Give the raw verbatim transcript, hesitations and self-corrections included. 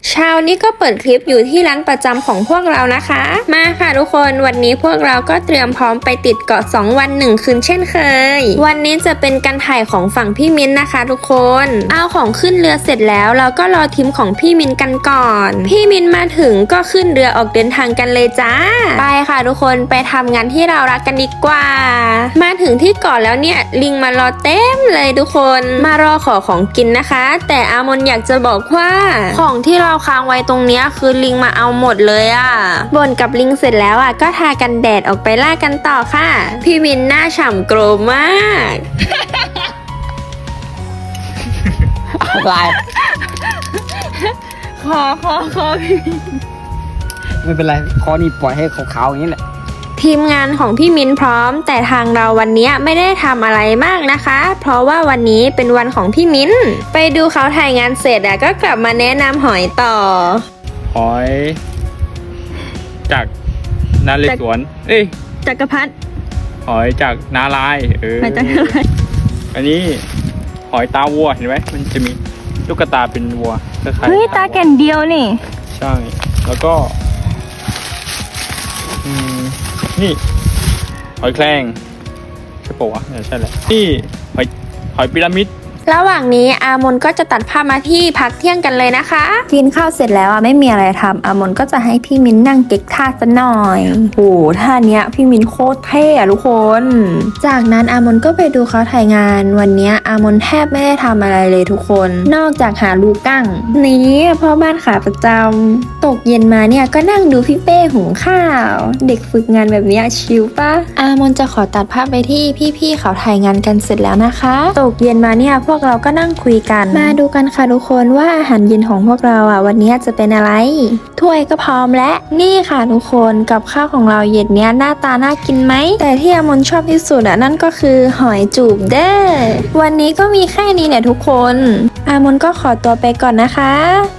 เช้านี้ก็เปิดคลิปอยู่ที่ร้านประจำของพวกเรานะคะมาค่ะทุกคนวันนี้พวกเราก็เตรียมพร้อมไปติดเกาะสองวันหนึ่งคืนเช่นเคยวันนี้จะเป็นการถ่ายของฝั่งพี่มิ้นนะคะทุกคนเอาของขึ้นเรือเสร็จแล้วเราก็รอทีมของพี่มิ้นกันก่อนพี่มิ้นมาถึงก็ขึ้นเรือออกเดินทางกันเลยจ้าไปค่ะทุกคนไปทำงานที่เรารักกันดีกว่ามาถึงที่เกาะแล้วเนี่ยลิงมารอเต็มเลยทุกคนมารอขอของกินนะคะแต่อามนอยากจะบอกว่าของที่เราค้างไว้ตรงเนี้ยคือลิงมาเอาหมดเลยอ่ะบ่นกับลิงเสร็จแล้วอ่ะก็ทากันแดดออกไปล่ากันต่อค่ะพี่มินหน้าฉ่ำโกรมากอะไรคอคอคอพี่ไม่เป็นไรคอนี่ปล่อยให้ขาวๆอย่างนี้แหละทีมงานของพี่มิ้นพร้อมแต่ทางเราวันนี้ไม่ได้ทำอะไรมากนะคะเพราะว่าวันนี้เป็นวันของพี่มิ้นไปดูเขาถ่ายงานเสร็จอะก็กลับมาแนะนำหอยต่อหอยจากนาเรศวรเอ้ยจักรพรรดิหอยจากนาลายเออมาจากอะไรอันนี้หอยตาวัวเห็นไหมมันจะมีลูกตาเป็นวัวคล้ายๆเฮ้ยตาแก่นเดียวนี่ใช่แล้วก็อืมนี่หอยแครงใช่ปะวะเนี่ยใช่แหละนี่หอยหอยพีระมิดระหว่างนี้อามนก็จะตัดภาพมาที่พักเที่ยงกันเลยนะคะกินข้าวเสร็จแล้วอ่ะไม่มีอะไรทำอามนก็จะให้พี่มิ้นนั่งเก๊กท่าซะหน่อยโอ้ท่าเนี้ยพี่มิ้นโคตรเท่อะทุกคนจากนั้นอามนก็ไปดูเขาถ่ายงานวันเนี้ยอามนแทบไม่ได้ทำอะไรเลยทุกคน นอกจากหาลูกกั้งนี้พ่อบ้านขาประจำตกเย็นมาเนี่ยก็นั่งดูพี่เป้หุงข้าวเด็กฝึกงานแบบเนี้ยชิลปะอามนจะขอตัดภาพไปที่พี่ๆเขาถ่ายงานกันเสร็จแล้วนะคะตกเย็นมาเนี่ยพวกเราก็นั่งคุยกันมาดูกันค่ะทุกคนว่าอาหารเย็นของพวกเราอ่ะวันนี้จะเป็นอะไรถ้วยก็พร้อมและนี่ค่ะทุกคนกับข้าวของเราเย็นเนี้ยหน้าตาน่ากินไหมแต่ที่อามนชอบที่สุดอ่ะนั่นก็คือหอยจูบเด้อวันนี้ก็มีแค่นี้เนี่ยทุกคนอามนก็ขอตัวไปก่อนนะคะ